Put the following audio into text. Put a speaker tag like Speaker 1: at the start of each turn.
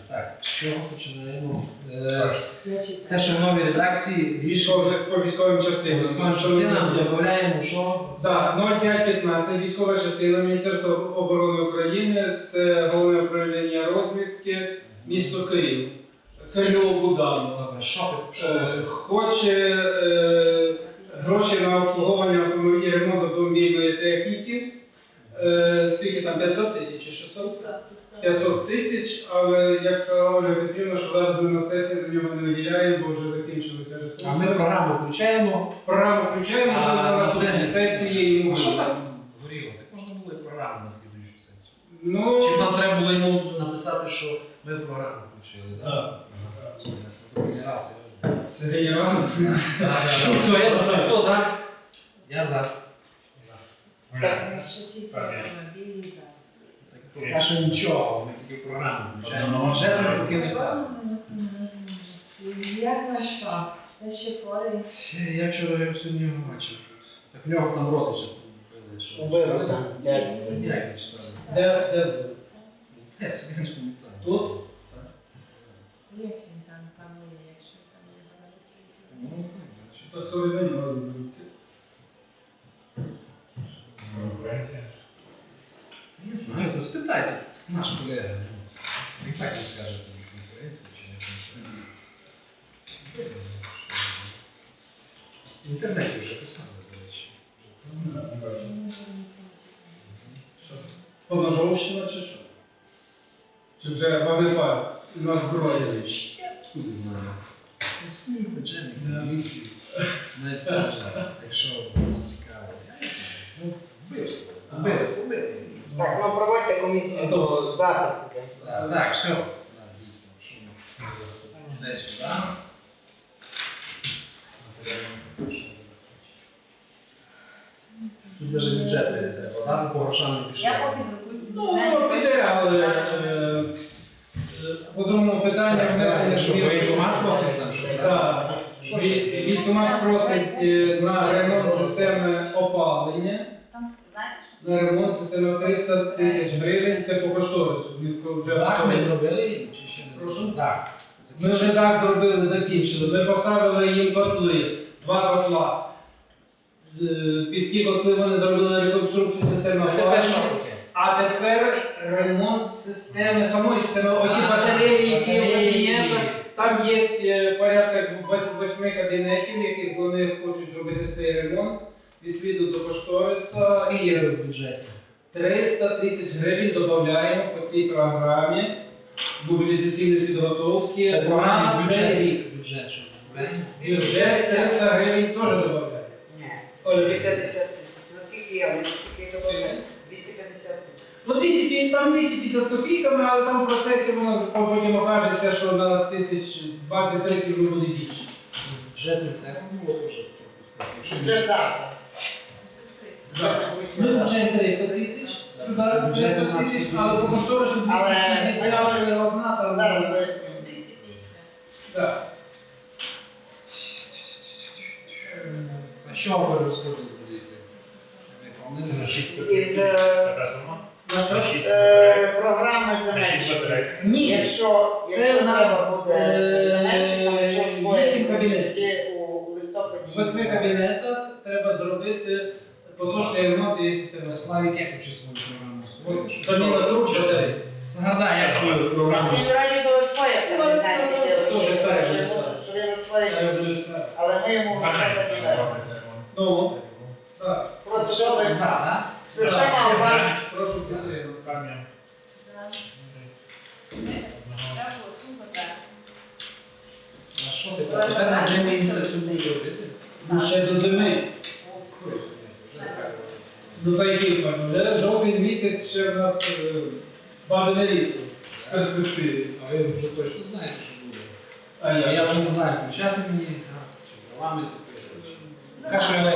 Speaker 1: Так, з чого починаємо? Те, що в новій редакції рішення
Speaker 2: По військовим частинам.
Speaker 1: додаємо, що?
Speaker 2: Так, 0515, військова частина Міністерства оборони України, це Головне управління розвідки, місто Київ. Кирило Будан. Хоче гроші на обслуговування автомобілів, ремонт автомобільної техніки. Скільки там, 500 тисяч чи 600? 500 тисяч, але як сказала Ольга Петрівна, що зараз ми на сесії за нього не виділяємо, бо вже закінчилися ресурси.
Speaker 1: А ми програму включаємо.
Speaker 2: Програму включаємо, але на наступній сесії йому.
Speaker 1: Що там горіло? Так можна було і програму на слідуючу сесію.
Speaker 2: Ну,
Speaker 1: Чи нам треба було йому написати, що ми програму включили, так?
Speaker 2: це генерал.
Speaker 1: Хто за? Я за. Поки що нічого, ми тільки програму включаємо. Вже таки не так.
Speaker 3: Як наш пап? Це ще поряд.
Speaker 1: Я вчора його сьогодні його бачив. Так в нього там родича побили, що...
Speaker 4: Убили, так.
Speaker 1: Як він читав?
Speaker 2: Де?
Speaker 1: Де? Я не пам'ятаю.
Speaker 2: Тут?
Speaker 3: Як він там панує, якщо там не говорить?
Speaker 1: Ну,
Speaker 2: По Соловейні мали бути.
Speaker 1: не знаю, то спитайте. Наш колега. Він так не скаже, що він конкуренція чи не конкуренція. В інтернеті вже писали, до речі.
Speaker 2: Поножовщина чи що? Чи вже ВВП на зброї?
Speaker 1: Куди знаю. Джемік, міліцію. Навіть теж, якщо було цікаво. Ну, вбивство. Убити.
Speaker 4: Так, ну проводьте комісію до запису.
Speaker 1: Так, все. Десь сюди. Тут навіть бюджет не треба. Там по грошам не пішло.
Speaker 3: Я поки друкую.
Speaker 2: Ну, піде, але по другому питанню внесення
Speaker 1: Що, воєнкомат просить там, що?
Speaker 2: Так. Військкомат просить на ремонт системи опалення.
Speaker 3: Там, знаєш?
Speaker 2: На ремонт системи 300 тисяч гривень, це по кошторису.
Speaker 1: Так, ми зробили чи ще не
Speaker 2: Прошу?
Speaker 1: Так.
Speaker 2: Ми вже так зробили, закінчили. Ми поставили їм котли, 2 котла. Під ті котли вони зробили реконструкцію системи опалення. А тепер ремонт системи, самої системи, оці батареї, які в кабінетах, там є порядка 8 кабінетів, в яких вони хочуть зробити цей ремонт, відповідно до кошториса.
Speaker 1: І є в бюджеті.
Speaker 2: 300 тисяч гривень додаємо по цій програмі мобілізаційної підготовки
Speaker 1: Це програмний
Speaker 2: на цей рік.
Speaker 1: бюджет, що
Speaker 2: Бюджет 300 гривень теж додаємо.
Speaker 4: Ні.
Speaker 2: Оля,
Speaker 4: 250 тисяч. Наскільки я? Наскільки добре? 250 тисяч.
Speaker 2: Ну, 200, там 250 копійками, але там в процесі воно потім окажеться, що на 20-30 вже буде більше.
Speaker 1: Бюджет не треба було теж пропустити.
Speaker 4: Вже так.
Speaker 2: Ми включаємо 300 тисяч, туди 300 тисяч, але по кошторису 250 одна, там...
Speaker 4: Зараз ви-
Speaker 2: Так.
Speaker 1: А що ви розходите? Вони
Speaker 4: Із програми земельної.
Speaker 2: Ні.
Speaker 4: Якщо
Speaker 2: Це
Speaker 4: треба буде
Speaker 2: вісім кабінетів.
Speaker 4: у листопаді.
Speaker 2: В 8 кабінетах треба зробити поточний ремонт і системи.
Speaker 1: Славік, як участь свою програму?
Speaker 2: Заміна труб батарей.
Speaker 1: Нагадай, як свою програму.
Speaker 4: Він раді до своє
Speaker 2: Дуже старе.
Speaker 4: але ми йому
Speaker 2: Ну, так.
Speaker 4: просто що ви
Speaker 1: Так,
Speaker 4: система у вас
Speaker 2: Прошу підтримати.
Speaker 1: а що ти? Тепер на джемі інтересує робити?
Speaker 2: Ну, ще до зими. До таких, вже жовтень місяць ще в нас бажане літо. В перспективі.
Speaker 1: А ви вже точно знаєте, що буде.
Speaker 2: А
Speaker 1: Я вже не знаю, включати мені, чи правами. Каже,